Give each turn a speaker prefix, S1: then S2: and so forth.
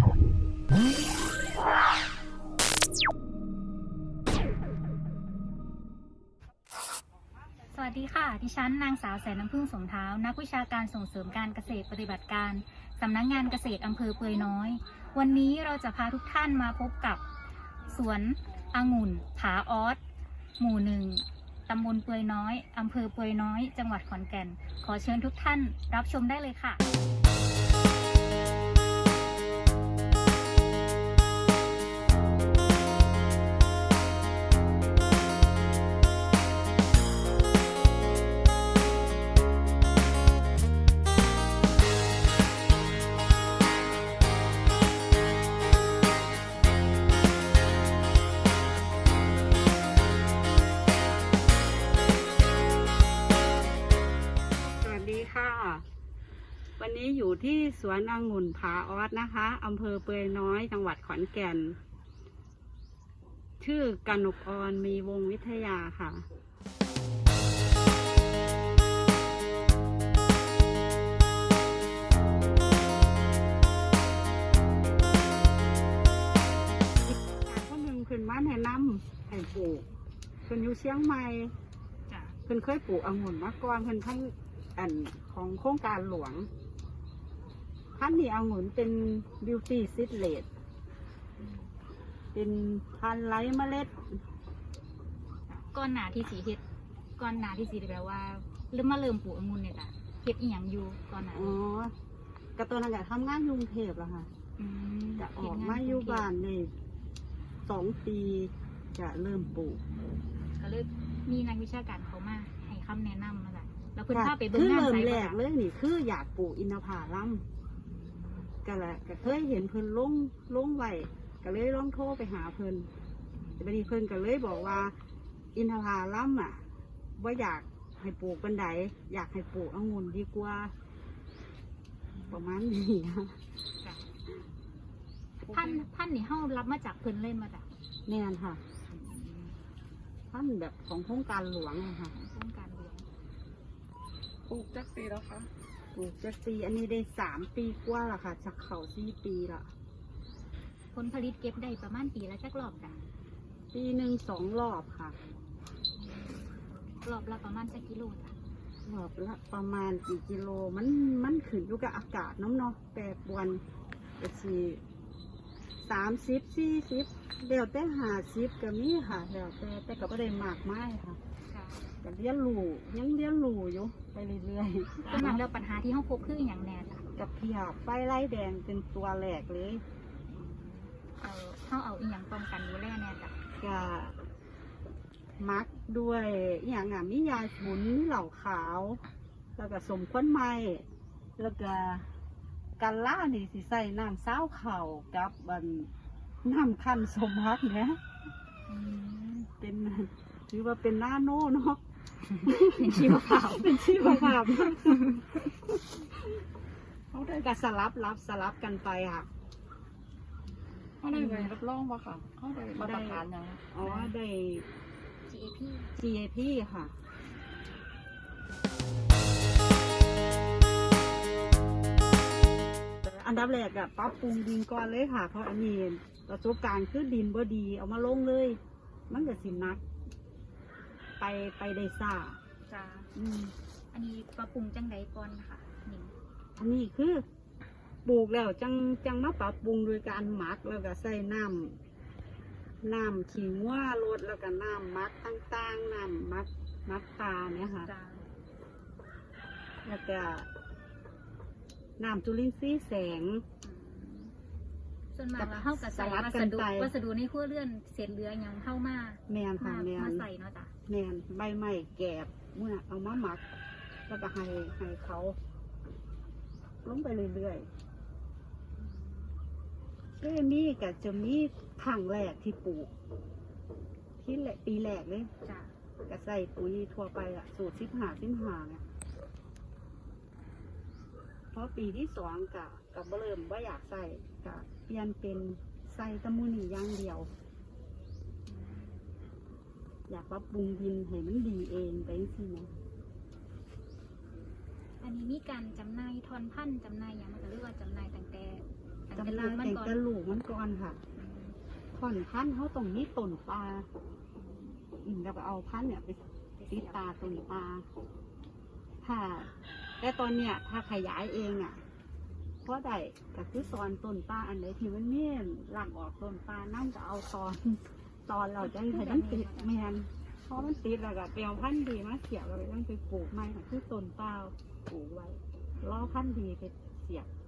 S1: สวัสดีค่ะดิฉันนางสาวแสนน้ำพึ่งสมเท้านักวิชาการส่งเสริมการเกษตรปฏิบัติการสำนักงานเกษตรอำเภอเปือยน้อยวันนี้เราจะพาทุกท่านมาพบกับสวนองุ่นผาออสหมู่หนึ่งตำบลเปือยน้อยอำเภอเปือยน้อยจังหวัดขอนแก่นขอเชิญทุกท่านรับชมได้เลยค่ะ
S2: วันนี้อยู่ที่สวนองุ่นผาออสนะคะอำเภอเปือยน้อยจังหวัดขอนแก่นชื่อกนกอรมีวงวิทยาค่ะการคนหนึ่งเพิ่นมาแนะนำให้ปลูกเพิ่นอยู่เชียงใหม่เพิ่นเคยปลูกองุ่นมาก่อนเพิ่นทั้งอันของโครงการหลวงพันธุ์นี้องุ่นเป็นบิวตี้ซิดเลดเป็นพันธุ์ไร้เมล็ด
S1: ก้อนหนาที่สีเฮ็ดก้อนหนาที่สีแบบว่าเริ่มปลูกองุ่นเนี่ยจ้ะเฮ็ดอีหยังอยู่ตอนนั้น
S2: อ๋อกระตัวนั้นจะทำงานยุงเทพแล้วค่ะจะออกมาอยู่บ้านใน2 ปีจะเริ่มปลูก
S1: ก็เลยมีนักวิชาการเขามาให้คำแนะนำมาจ้ะแล้วเพิ่นพาไปเบิ่ง
S2: งาน
S1: ไซต์
S2: แรกเลยนี่คืออยากปลูกอินทผลัมก็แหละก็เคยเห็นเพิ่นลงไว้ก็เลยลองโทรไปหาเพิ่นแต่บัดนี้เพิ่นก็เลยบอกว่าอินทผลัมว่าอยากให้ปลูกบันไดอยากให้ปลูกองุ่นดีกว่าประมาณนี้
S1: พันธุ์นี่เฮารับมาจากเพิ่นเล่นมาจาก
S2: แน่นค่ะพันธุ์แบบของโครงการหลวงค่ะ
S1: โครงการหลวง
S2: ปลูกจักปีแล้วคะปลูกจักปีอันนี้ได้3 ปีกว่าแล้วค่ะจากเขา4 ปีละ
S1: ผลผลิตเก็บได้ประมาณปีละจักรอบจ้ะ
S2: ปีหนึ่ง2 รอบค่ะ
S1: รอบละประมาณสักกิโลจ้ะ
S2: รอบละประมาณกี่กิโลมันขึ้นอยู่กับอากาศน้ำเนาะแปรปรวนก็สิ30 40เดี๋ยวแต่50ก็มีค่ะเดี๋ยวแต่ก็ไม่ได้มากมายค่ะก็ยังเรียนรู้อยู่ไปเรื่อย
S1: ๆก็นั้นแล้วปัญหาที่เฮาพบคืออย่างแน่จ้ะ
S2: กับเพียบไฟไล่แดงเป็นตัวแหลกเลย
S1: เฮาเอาอีหยังป้องกันดูแลแน่จ้ะ
S2: ก็มักด้วยอย่างมียาสมุนมีเหล่าขาวแล้วก็สมควันไม้แล้วก็กันล่านี่สิใส่น้ำเศร้าเข่ากับน้ำคั้นสมฮักเนี่ยเป็นถือว่าเป็นนาโน่เนาะ
S1: เป็นชีวภาพ
S2: เขาได้การสลับกันไปค่ะ
S3: เขาได้รับรองป่ะค่ะเขาได้มาตรฐานยัง
S2: อ๋อได้ GAP ค่ะอันดับแรกอะปรับปรุงดินก่อนเลยค่ะเพราะอันนี้ประสบการณ์คือดินบ่ดีเอามาลงเลยมันก็สินักไปได้ซ่า
S1: จ้าอันนี้ปรับปรุงจังใดก่อนค่ะนี่
S2: อันนี้คือปลูกแล้วจังมาปรับปรุงโดยการหมักแล้วก็ใส่น้ำขิงว่าลดแล้วก็น้ำมักต่างๆน้ำมักตาเนี่ยค่ะแล้วก็น้ำจุลินทรีย์แสง
S1: ส่วนมากเราเข้ากับใส่วัสดุในครัวเรือนเศษเหลืออย่างเข้ามา
S2: แมนค่ะแมน
S1: มาใส่เนาะจ้ะ
S2: แมนใบไม้แกบเมื่อเอามาหมักแล้วก็ให้เขาลงไปเรื่อยๆก็มีก็จะมีครั้งแรกที่ปลูกที่ปีแรกเลย
S1: จ้ะ
S2: ก็ใส่ปุ๋ยทั่วไปอะสูตร15เนี่ยเพราะปีที่2กับเริ่มว่าอยากใส่กับเปลี่ยนเป็นใส่ตะมูนี่อย่างเดียวอยากปรับปรุงดินให้มันดีเองไปสินะ
S1: อันนี้มีการจำหน่ายทอนพันธุ์จำหน่ายอย่างมันจะเรียกว่าจำหน่ายตั้งแต่แต่
S2: เว
S1: ลู
S2: ลาก
S1: มัน
S2: แต่ง
S1: ก่อน
S2: กระลูกมันก่อนค่ะผ่อนพันธุ์เขาตรงนี้ต้นปลาแล้วก็เอาพันธุ์เนี่ยไปติดตาต้นปลาค่ะแต่ตอนเนี้ยถ้าขยายเองอ่ะเพราะได้ก็คือตอนต้นปลาอันไหนที่มันเมี่ยนหลังออกต้นปลานั่นก็เอาตอนเราจะให้มันติดแมนเพราะมันติดแล้วก็เปลวพันธุ์ดีมาเสียบเราไปต้องไปปลูกใหม่ค่ะคือต้นปลาปลูกไว้รอพันธุ์ดีไปเสียบ